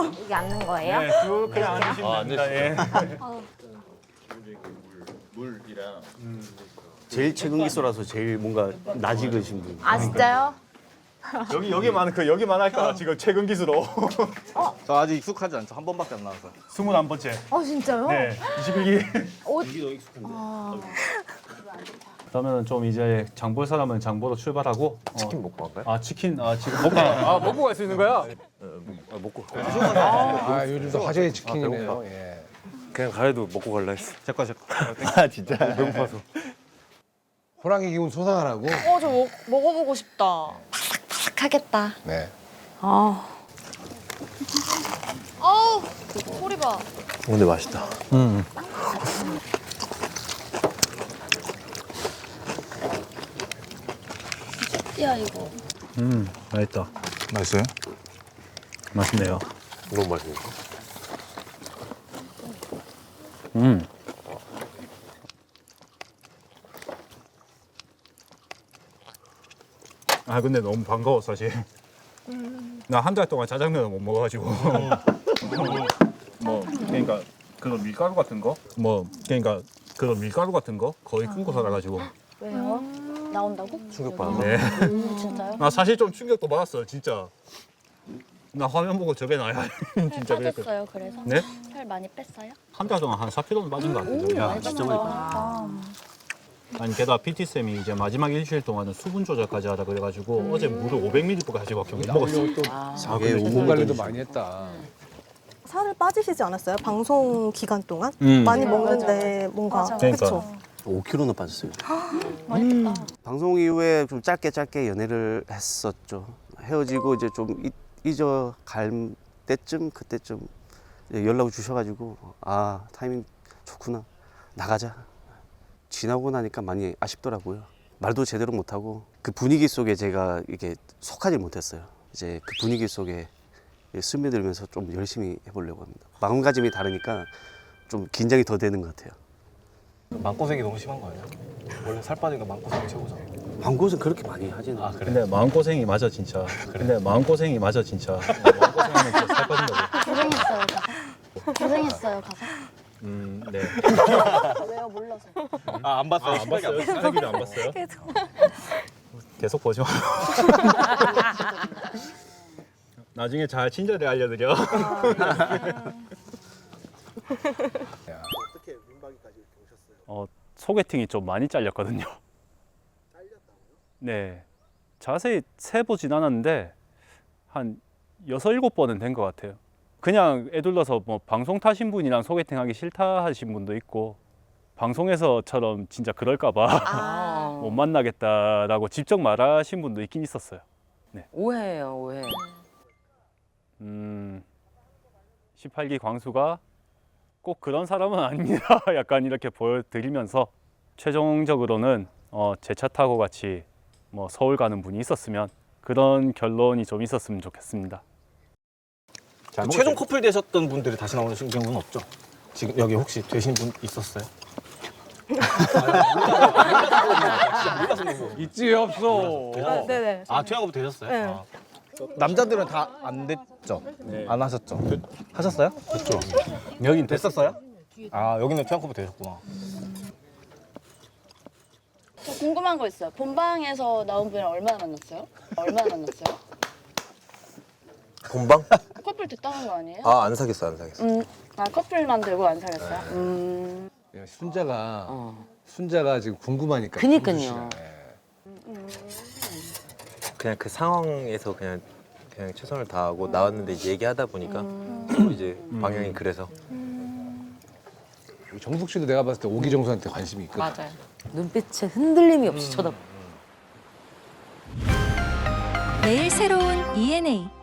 이게 앉는 거예요? 네, 쭉 그냥 앉으시면 됩니다. 예. 물이랑 제일 최근 기수라서 제일 뭔가 낯익으신 분. 아 진짜요? 여기만 할까 지금 최근 기수로. 저 아직 익숙하지 않죠. 한 번밖에 안 나와서. 21번째. 진짜요? 네, 21기. 그러면 좀 이제 장 볼 사람은 장 보러 출발하고 치킨 먹고 갈까요? 아 치킨 지금 먹고 먹고 갈 수 있는 거야? 먹고. 아 요즘도 화제의 치킨이네요. 예. 그냥 가래도 먹고 갈라 했어. 제거. 아 진짜. 배고파서. 호랑이 기운 솟아나라고. 저 먹어보고 싶다. 하겠다. 네. 아우, 소리 봐. 근데 맛있다. 야 이거. 맛있다. 맛있어요? 맛있네요. 너무 맛있네. 아 근데 너무 반가워 사실. 나 한 달 동안 짜장면을 못 먹어가지고. 뭐 그러니까 그런 밀가루 같은 거, 그런 밀가루 같은 거 거의 끊고 살아가지고. 왜요? 나온다고? 충격받았어. 네. 진짜요? 나 사실 좀 충격도 받았어요 진짜. 나 화면 보고 저게 나야 진짜 그랬거든. 빠졌어요. 그래서 네? 살 많이 뺐어요? 한 달 동안 한 4kg는 빠진 것 같아요. 많이 진짜 많이 아니 게다가 PT 쌤이 이제 마지막 일주일 동안은 수분 조절까지 하라 그래가지고 어제 물을 500ml까지밖에 못 먹었어. 이게 몸 관리도 많이 했다. 살을 빠지시지 않았어요? 방송 기간 동안? 음. 많이 먹는데 뭔가 맞아. 그러니까. 그쵸? 5kg나 빠졌어요. 많이 뺐다. 방송 이후에 좀 짧게 연애를 했었죠. 헤어지고 이제 좀 잊어 갈 때쯤 그때쯤 연락을 주셔가지고 아 타이밍 좋구나 나가자. 지나고 나니까 많이 아쉽더라고요. 말도 제대로 못하고 그 분위기 속에 제가 이게 속하지 못했어요. 이제 그 분위기 속에 스며들면서 좀 열심히 해보려고 합니다. 마음가짐이 다르니까 좀 긴장이 더 되는 것 같아요. 마음고생이 너무 심한 거 아니야? 원래 살 빠지니까 마음고생이 최고잖아. 광고는 그렇게 많이 하지는 않아요. 근데 마음고생이 맞아 진짜. 근데 마음고생이 맞아 진짜. 마음고생하면 진짜 살 빠진다고. 고생했어요 가서. 고생했어요 가서. 네. 왜요? 몰라서. 안 봤어요. 안 봤어요? 신세기도 안 봤어요? 계속 보지 마. 나중에 잘 친절히 알려드려. 소개팅이 좀 많이 잘렸거든요. 네. 자세히 세보진 않았는데 한 6, 7번은 된 것 같아요. 그냥 애둘러서 뭐 방송 타신 분이랑 소개팅 하기 싫다 하신 분도 있고 방송에서처럼 진짜 그럴까봐 못 만나겠다라고 직접 말하신 분도 있긴 있었어요. 네. 오해예요, 오해. 18기 광수가 꼭 그런 사람은 아닙니다. 약간 이렇게 보여드리면서 최종적으로는 제 차 타고 같이 뭐 서울 가는 분이 있었으면 그런 결론이 좀 있었으면 좋겠습니다. 최종 커플 되셨던 분들이 다시 나오는 경우는 없죠? 지금 여기 혹시 되신 분 있었어요? 있지 없어. 네네. 퇴원 커플 되셨어요? 네. 남자들은 다 안 됐죠? 안 하셨죠? 하셨어요? 됐죠. 여긴 됐었어요? 여기는 퇴원 커플 되셨구나. 저 궁금한 거 있어요. 본방에서 나온 분이랑 얼마나 만났어요? 얼마나 만났어요? 본방? 커플 됐다는 거 아니에요? 안 사귀었어. 커플만 되고 안 사귀었어요? 야, 순자가 지금 궁금하니까. 그니까요. 그냥 그 상황에서 그냥 최선을 다하고 나왔는데 이제 얘기하다 보니까 서로 이제 방향이 그래서. 정숙 씨도 내가 봤을 때 오기정수한테 관심이 있거든. 맞아요. 눈빛에 흔들림이 없이 쳐다봐. 매일 새로운 ENA